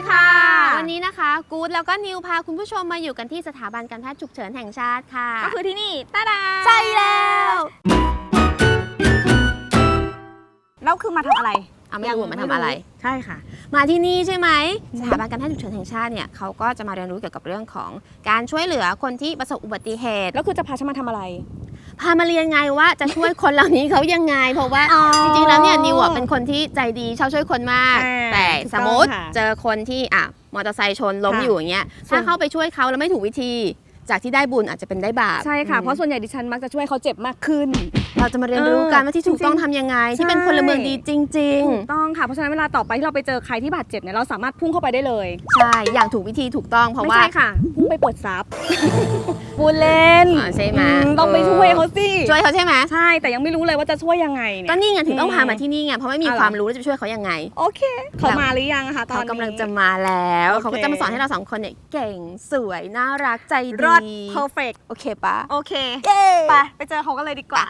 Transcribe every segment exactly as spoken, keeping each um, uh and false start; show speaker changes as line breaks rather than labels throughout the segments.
ค่ะวันนี้นะคะกู๊ดแล้วก็นิวพาคุณผู้ชมมาอยู่กันที่สถาบันการแพทย์ฉุกเฉินแห่งชาติค่ะ
ก็คือที่นี่ตาดา
ใช่แล้ว
แล้วคือมาทำอะไร
เอาไม่รู้มาทำอะไร
ใช่ค่ะ
มาที่นี่ใช่ไหมสถาบันการแพทย์ฉุกเฉินแห่งชาติเนี่ยเขาก็จะมาเรียนรู้เกี่ยวกับเรื่องของการช่วยเหลือคนที่ประสบอุบัติเหตุ
แล้วคือจะพาฉันมาทำอะไร
พามาเรียนไงว่าจะช่วยคนเหล่านี้เขายังไงเพราะว่าจริงๆแล้วเนี่ยนิวเป็นคนที่ใจดีชอบช่วยคนมากแต่สมมติเจอคนที่อ่ะมอเตอร์ไซค์ชนล้มอยู่อย่างเงี้ยถ้าเข้าไปช่วยเขาแล้วไม่ถูกวิธีจากที่ได้บุญอาจจะเป็นได้บาป
ใช่ค่ะเพราะส่วนใหญ่ดิฉันมักจะช่วยเขาเจ็บมากขึ้น
เราจะมาเรียนรู้กันว่าที่ถูกต้องทำยังไงที่เป็นพลเมืองดีจริงๆ
ถูกต้องค่ะเพราะฉะนั้นเวลาต่อไปที่เราไปเจอใครที่บาดเจ็บเนี่ยเราสามารถพุ่งเข้าไปได้เลย
ใช่อย่างถูกวิธีถูกต้องเพราะว่า
ไม่ใช่ค่ะพุ่งไปปลดซับปูเล่น
ใช่ไหม
ต้องไปช่วยเขาสิ
ช่วยเขาใช่ไหม
ใช่แต่ยังไม่รู้เลยว่าจะช่วยยังไงเนี่ย
ก็นี่ไงถึงต้องพามาที่นี่ไงเพราะไม่มีความรู้จะช่วยเขายังไง
โอเคเขามาหรือยังคะตอนนี้
เขากำลังจะมาแล้วเขาก็จะมาสอนให้เราสองคนเนี่ยเก่งสวยน่ารักใจดี
perfect
โอเคปะ
โอเคไปไปเจอเขากันเลยดีกว่า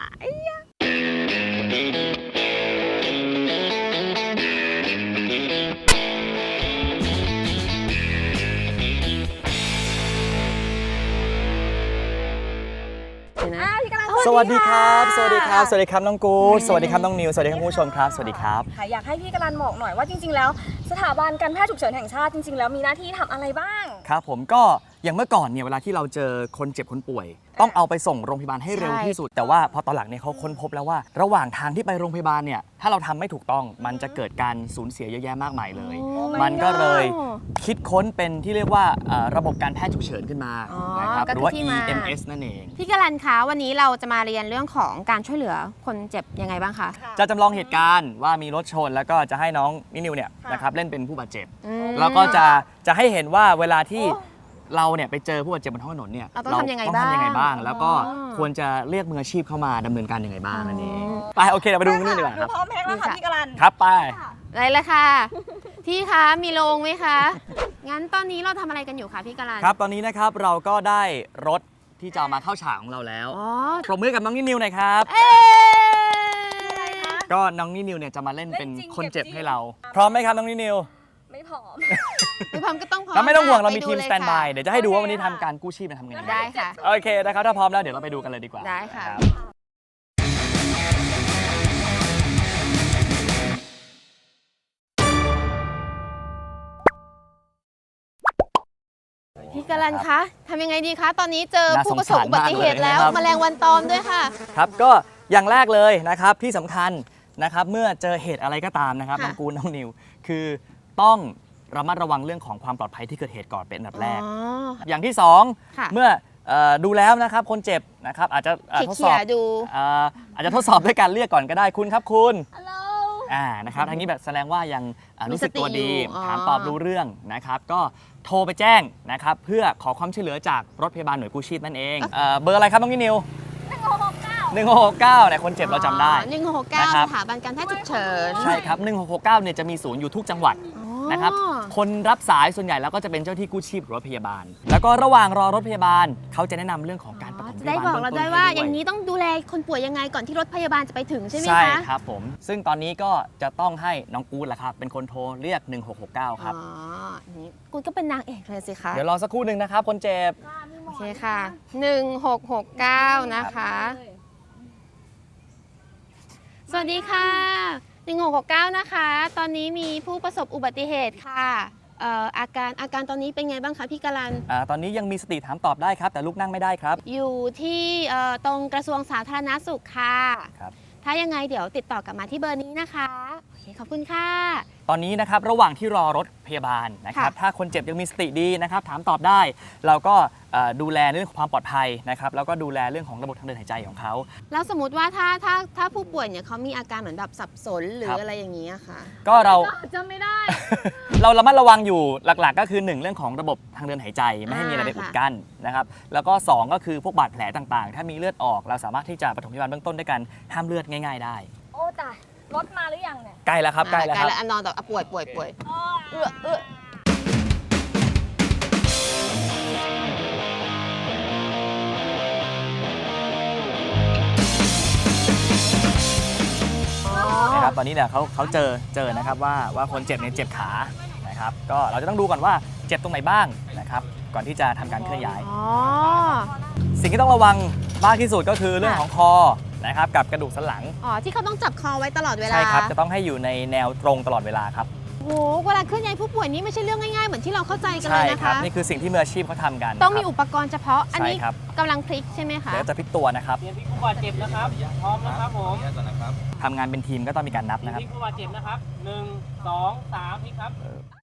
สวัสดีครับสวัสดีครับสวัสดีครับน้องกู๊ดสวัสดีครับน้องนิวสวัสดีครับผู้ชมครับสวัสดีครับ
อยากให้พี่กรันบอกหน่อยว่าจริงๆแล้วสถาบันการแพทย์ฉุกเฉินแห่งชาติจริงๆแล้วมีหน้าที่ทำอะไรบ้าง
ครับผมก็อย่างเมื่อก่อนเนี่ยเวลาที่เราเจอคนเจ็บคนป่วยต้องเอาไปส่งโรงพยาบาลให้เร็วที่สุดแต่ว่าพอตอนหลังเนี่ยเขาค้นพบแล้วว่าระหว่างทางที่ไปโรงพยาบาลเนี่ยถ้าเราทำไม่ถูกต้องมันจะเกิดการสูญเสียเยอะแยะมากมายเลยมันก็เลยคิดค้นเป็นที่เรียกว่าระบบการแพทย์ฉุกเฉินขึ้นมานะครับหรือว่า อี เอ็ม เอส นั่นเอง
พี่กรันคะวันนี้เราจะมาเรียนเรื่องของการช่วยเหลือคนเจ็บยังไงบ้างคะ
จะจำลองเหตุการณ์ว่ามีรถชนแล้วก็จะให้น้องนิวเนี่ยนะครับเล่นเป็นผู้บาดเจ็บแล้วก็จะจะให้เห็นว่าเวลาที่เราเนี่ยไปเจอผู้บาดเจ็บบนท้องถนนเนี่ย
เราต้องทำยังไง
บ้างแล้วก็ควรจะเรียกมืออาชีพเข้ามาดำเนินการยังไงบ้างนั่นเองไปโอเคเราไปดูนี่ดีกว่าครับ
พร้อมแพ็คแล้วค่ะพี่กรัน
ครับไป
ได้เลยค่ะพี่คะมีโรงไหมคะงั้นตอนนี้เราทำอะไรกันอยู่คะพี่กรัน
ครับตอนนี้นะครับเราก็ได้รถที่จะมาเข้าฉากของเราแล้วปรบมือกับน้องนิวหน่อยครับก็น้องนิวเนี่ยจะมาเล่นเป็นคนเจ็บให้เราพร้อมไหมครับน้องนิว
ไม่พร้อม
ไม่พร้อมก็ต้องพร้อม
แล้วไม่ต้องห่วงเรามีทีมสแตนด์บายเดี๋ยวจะให้ดูว่าวันนี้ทำการกู้ชีพทำยังไง
ได้ค่ะ
โอเคนะครับถ้าพร้อมแล้วเดี๋ยวเราไปดูกันเลยดีกว่า
ได้ค่ะพี่กรันคะทำยังไงดีคะตอนนี้เจอผู้ประสบอุบัติเหตุแล้วแมลงวันตอมด้วยค่ะ
ครับก็อย่างแรกเลยนะครับที่สำคัญนะครับเมื่อเจอเหตุอะไรก็ตามนะครับน้องกูน้องนิวคือต้องระมัดระวังเรื่องของความปลอดภัยที่เกิดเหตุก่อนเป็นอันดับแรกอย่างที่สองเมื่อดูแล้วนะครับคนเจ็บนะครับอาจจะทดสอบอาจจะทดสอบด้วยการเรียกก่อนก็ได้คุณครับคุณอ่านะครับทางนี้แบบแสดงว่ายังรู้สึกตัวดีถามตอบรู้เรื่องนะครับก็โทรไปแจ้งนะครับเพื่อขอความช่วยเหลือจากรถพยาบาลหน่วยกู้ชีพนั่นเองเบอร์อะไรครับน้องนิว
หนึ่งหกหกเก้า
หนึ่งหกหกเก้าเนี่ยคนเจ็บเราจำได้
หนึ่งหกหกเก้าสถาบันการแพทย์ฉุกเฉิน
ใช่ครับหนึ่งหกหกเก้าเนี่ยจะมีศูนย์อยู่ทุกจังหวัดนะครับคนรับสายส่วนใหญ่แล้วก็จะเป็นเจ้าที่กู้ชีพหรือรถพยาบาลแล้วก็ระหว่างรอรถพยาบาลเขาจะแนะนำเรื่องของการปฐมพยาบาล
ได้บอกเราได้ว่าอย่างนี้ต้องดูแลคนป่วยยังไงก่อนที่รถพยาบาลจะไปถึงใช่ไหมคะ
ใช่ครับผมซึ่งตอนนี้ก็จะต้องให้น้องกู๊ดแหละครับเป็นคนโทรเรียกหนึ่งหกหกเก้าครับ
อ๋อนี่กู๊ดก็เป็นนางเอกเลยสิคะ
เดี๋ยวรอสักครู่หนึ่งนะครับคนเจ็บ
โอเคค่ะหนึ่งหกหกเก้านะคะสวัสดีค่ะหนึ่งหกหกเก้านะคะตอนนี้มีผู้ประสบอุบัติเหตุค่ะอาการอาการตอนนี้เป็นไงบ้างคะพี่กรัน
ตอนนี้ยังมีสติถามตอบได้ครับแต่ลุกนั่งไม่ได้ครับ
อยู่ที่ตรงกระทรวงสาธารณสุขค่ะครับถ้ายังไงเดี๋ยวติดต่อกลับมาที่เบอร์นี้นะคะโอเคขอบคุณค่ะ
ตอนนี้นะครับระหว่างที่รอรถพยาบาลนะครับถ้าคนเจ็บยังมีสติดีนะครับถามตอบได้เราก็ดูแลเรื่องของความปลอดภัยนะครับแล้วก็ดูแลเรื่องของระบบทางเดินหายใจของเขา
แล้วสมมติว่าถ้าถ้าถ้าผู้ป่วยเนี่ยเขามีอาการเหมือนแบบสับสนหรืออะไรอย่างนี้ค่ะ
ก็เรา
จำไม่ได้
เราระมัดระวังอยู่หลักๆก็คือหนึ่งเรื่องของระบบทางเดินหายใจไม่ให้มีอะไรไปอุดกั้นนะครับแล้วก็สองก็คือพวกบาดแผลต่างๆถ้ามีเลือดออกเราสามารถที่จะปฐมพยาบาลเบื้องต้นด้วยการห้ามเลือดง่ายๆได้
โอ้ตายรถมาหรือยังเนี่ย
ใกล้แล้วครับใกล้แล้วครับ
นอนแบบป่วยป่วยป่วยเอื้อเอื้อ
นะครับตอนนี้เนี่ยเขาเขาเจอเจอนะครับว่าว่าคนเจ็บเนี่ยเจ็บขานะครับก็เราจะต้องดูก่อนว่าเจ็บตรงไหนบ้างนะครับก่อนที่จะทำการเคลื่อนย้าย
อ๋อ
สิ่งที่ต้องระวังมากที่สุดก็คือเรื่องของคอนะครับกับกระดูกสันหลัง
อ๋อที่เขาต้องจับคอไว้ตลอดเวลา
ใช่ครับจะต้องให้อยู่ในแนวตรงตลอดเวลาครับ
โอ้โหเวลาเคลื่อนย้ายผู้ป่วยนี่ไม่ใช่เรื่องง่ายๆเหมือนที่เราเข้าใจกันเล
ใช่
ยนะ
ครั
คะ
นี่คือสิ่งที่มืออาชีพเขาทำกัน
ต้องมี
ครับ
อุปกรณ์เฉพาะอันนี้
ใช่ครับ
กำลังพลิกใช่ไหมคะ
เดี๋ยวจะพลิกตัวนะครับ
เตรียมพลิกผู้บาดเจ็บนะครับ พร้อมนะครับผม
ทำงานเป็นทีมก็ต้องมีการนับ
เตรีย
นะ
ม
ครับ
พลิกผู้บาดเจ็บนะครับหนึ่งสองสามพลิกครับ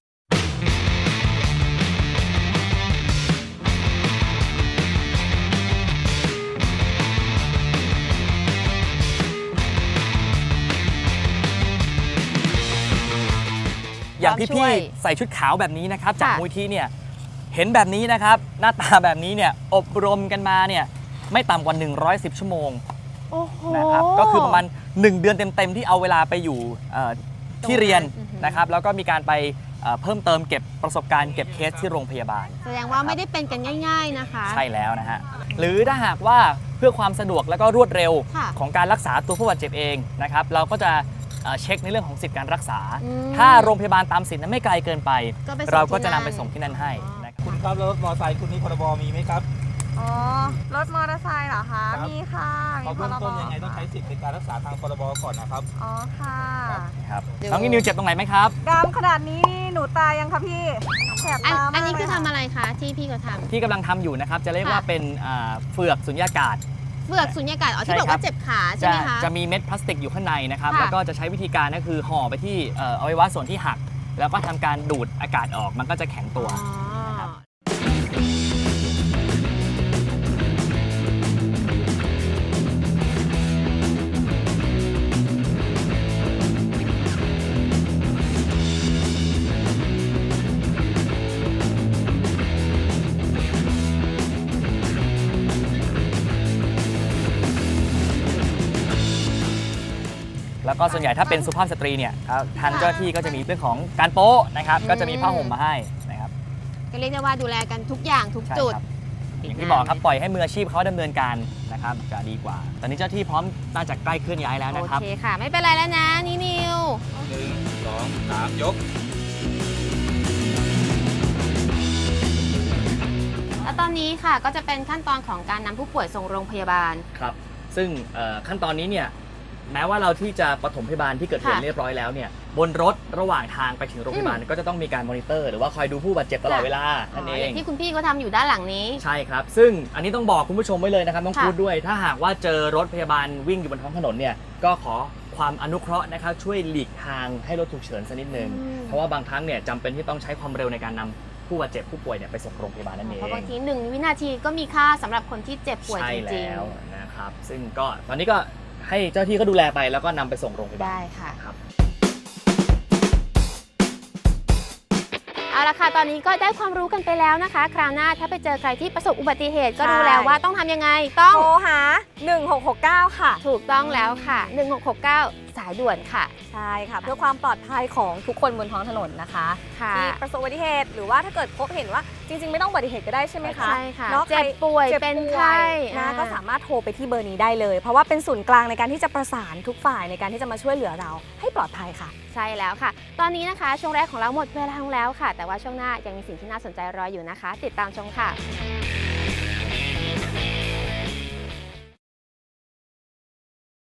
อย่าง
พร้อมช่
พี่
วย
ๆใส่ชุดขาวแบบนี้นะครับจาก
ค่ะ
มูลที่เนี่ยเห็นแบบนี้นะครับหน้าตาแบบนี้เนี่ยอบรมกันมาเนี่ยไม่ต่ำกว่าหนึ่งร้อยสิบชั่วโมง
โอ้โห
นะครับก็คือประมาณหนึ่งเดือนเต็มๆที่เอาเวลาไปอยู่เอ่อที่เรียน
อือฮึ
นะครับแล้วก็มีการไปเอ่อเพิ่มเติมเก็บประสบการณ์เก็บเคสที่โรงพยาบาล
แสดงว่าไม่ได้เป็นกันง่าย ๆนะคะ
ใช่แล้วนะฮะหรือถ้าหากว่าเพื่อความสะดวกและก็รวดเร็ว
ค่ะ
ของการรักษาตัวผู้บาดเจ็บเองนะครับเราก็จะเอ่อเช็คในเรื่องของสิทธิการรักษา
อืม
ถ้าโรงพยาบาลตามสิทธิ์นั้นไม่ไกลเกินไป
ก็ไปส่ง
เราก็
ที่
จะนำ
นั่น
ไปส่งที่นั่นให้นะครับ
คุณครับรถมอเตอร์ไซค์คุณนี่พรบมีไหมครับ
อ๋อ รถมอเตอร์ไซค์เหรอคะ
ครับ
มีค่ะ มี
เขา
พ
เบื้อง
รบ
ต้นยังไงต้องใช้สิทธิ์ในการรักษาทางพรบก่อนนะครับ
อ๋อค่ะ
ครับ
เดี๋ยว
น้องนิวเจ็บตรงไหนไหมครับ
ดำขนาดนี้หนูตายยังคะพี่แสบ
อัน
ตามาก
อันนี้คือ
เลย
ทำอะไรคะที่พี่เขาท
ที่กำลังทำอยู่นะครับจะเรียก
ค่ะ
ว่าเป็นอ่าเฟือกสุญญากาศ
ำเฟือกสุญญากาศอ๋อ
ใช่
ที่บอก
ครั
ว่า
บ
เจ็บขาใช่
จะ
ไหมคะ
จะมีเม็ดพลาสติกอยู่ข้างในนะครับ
ค่ะ
แล้วก็จะใช้วิธีการก็คือห่อไปที่เอ่ออวัยวะส่วนที่หัก แล้วก็ทำการดูดอากาศออกมันก็จะแข็งตัว
อ๋อ
นะครับ แล้วก็ส่วนใหญ่ถ้าเป็นสุภาพสตรีเนี่ยครับทางเจ้าหน้าที่ก็จะมีเรื่องของการโป๊ะนะครับ
อืม
ก็จะมีผ้าห่มมาให้นะครับ
ก็เรียกได้ว่าดูแลกันทุกอย่างทุก
ใช่
จุด
ครับอย่างที่บอกครับปล่อยให้มืออาชีพเขาดำเนินการนะครับจะดีกว่า ตอนนี้เจ้าหน้าที่พร้อมน่าจะใกล้เคลื่อนย้ายแล้ว
โอ
นะครับ
เคค่ะ ไม่เป็นไรแล้วนะนี่นิว
หนึ่งสองสามยก
แล้วตอนนี้ค่ะก็จะเป็นขั้นตอนของการนำผู้ป่วยส่งโรงพยาบาล
ครับ ซึ่งเอ่อขั้นตอนนี้เนี่ยแม้ว่าเราที่จะปฐมพยาบาลที่เกิดเหตุ
ค่ะ
เรียบร้อยแล้วเนี่ยบนรถระหว่างทางไปถึงโรงพยาบาลก็จะต้องมีการมอนิเตอร์หรือว่าคอยดูผู้บาดเจ็บตลอด
ค่ะ
เวลานั่นเอ
อย่าง งที่คุณพี่เขาทำอยู่ด้านหลังนี้
ใช่ครับ ซึ่งอันนี้ต้องบอกคุณผู้ชมไว้เลยนะครับต้อง
ค่ะ
พูดด้วย ถ้าหากว่าเจอรถพยาบาลวิ่งอยู่บนท้องถนนเนี่ยก็ขอความอนุเคราะห์นะครับช่วยหลีกทางให้รถฉุกเฉินสักนิดนึง
อืม
เพราะว่าบางครั้งเนี่ยจำเป็นที่ต้องใช้ความเร็วในการนำผู้บาดเจ็บผู้ป่วยเนี่ยไปส่งโรงพยาบาลนั่นเอง
เพราะบางทีหนึ่งวินาทีก็มีค่าสำหรับคนที่เจ็บป่วย
ใช่
จริง
แล้วนะครับ ซึ่งก็ตอนนี้ก็ให้เจ้าหน้าที่เขาดูแลไปแล้วก็นำไปส่งโรงพยา
ๆ
บาล
ได้ค่ะ
ครับ
เอาละค่ะตอนนี้ก็ได้ความรู้กันไปแล้วนะคะ คราวหน้าถ้าไปเจอใครที่ประสบอุบัติเหตุก็
ใช่
รู้แล้วว่าต้องทำยังไงต้อง
โทรหาหนึ่งหกหกเก้าค่ะ
ถูกต้องแล้วค่ะหนึ่งหกหกเก้าสายด่วนค่ะ
ใช่ค่ะ เพื่อความปลอดภัยของทุกคนบนท้องถนนนะคะ
ค่ะ
ที่ประสบอุบัติเหตุหรือว่าถ้าเกิดพบเห็นว่าจริง ๆ ไม่ต้องอุบัติเหตุก็ได้ใช่ไหมคะ
ใช่ค่ะ
เนาะ
เจ็บป่วย
ใคร
เป็น
จ็บ
ไข้
นะ
อ่า
ก็สามารถโทรไปที่เบอร์นี้ได้เลย เพราะว่าเป็นศูนย์กลางในการที่จะประสานทุกฝ่ายในการที่จะมาช่วยเหลือเราให้ปลอดภัยค่ะ
ใช่แล้วค่ะ ตอนนี้นะคะ ช่วงแรกของเราหมดเวลาลงแล้วค่ะ แต่ว่าช่วงหน้ายังมีสิ่งที่น่าสนใจรออยู่นะคะ ติดตามชมค่ะ